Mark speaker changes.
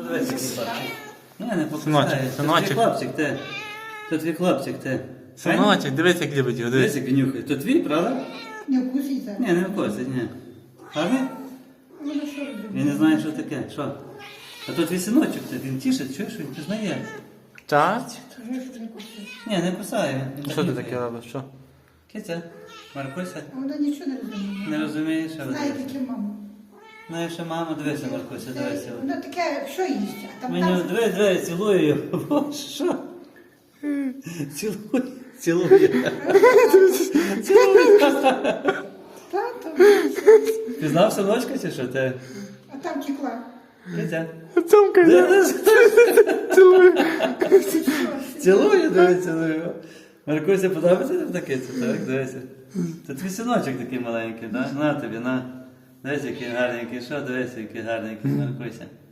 Speaker 1: дивись, який хлопчик. Ні, не
Speaker 2: Синочок,
Speaker 1: покусає. Це
Speaker 2: синочок.
Speaker 1: твій хлопчик, ти. Це твій хлопчик, ти.
Speaker 2: Синочок, дивись, як любить його,
Speaker 1: Дивись,
Speaker 2: дивись.
Speaker 1: як він нюхає. То твій, правда?
Speaker 3: Не вкуситься.
Speaker 1: Ні, не вкусить, ні. Гарний?
Speaker 3: Ну, що робити?
Speaker 1: Він не знає, що таке. Що? А то твій синочок, ти. Він тішить, чуєш, він пізнає.
Speaker 2: Так?
Speaker 3: Скажи, що не кусить.
Speaker 1: Ні, не кусає. Він
Speaker 2: Що ти
Speaker 1: нюхає.
Speaker 2: таке робиш? Що?
Speaker 1: Киця, Маркуся.
Speaker 3: А вона нічого не розуміє.
Speaker 1: Не розумієш, що
Speaker 3: Знає
Speaker 1: ви.
Speaker 3: таке маму.
Speaker 1: Знаєш, що мама, дивися, Маркуся, дивися.
Speaker 3: Вона таке, що їсть? А там
Speaker 1: Мені
Speaker 3: так.
Speaker 1: диви, цілую його. Боже, що? Цілує.
Speaker 3: Тато.
Speaker 1: Пізнав синочка чи що ти?
Speaker 3: А там текла.
Speaker 1: Киця.
Speaker 2: Цьомка, цілую.
Speaker 1: Цілує, диви, цілує. Маркуся, подобається тобі таке? Так, дивися. Це твій синочок такий маленький, так? На тобі, на. Дивись, який гарненький. Що, дивися, який гарненький, Маркуся.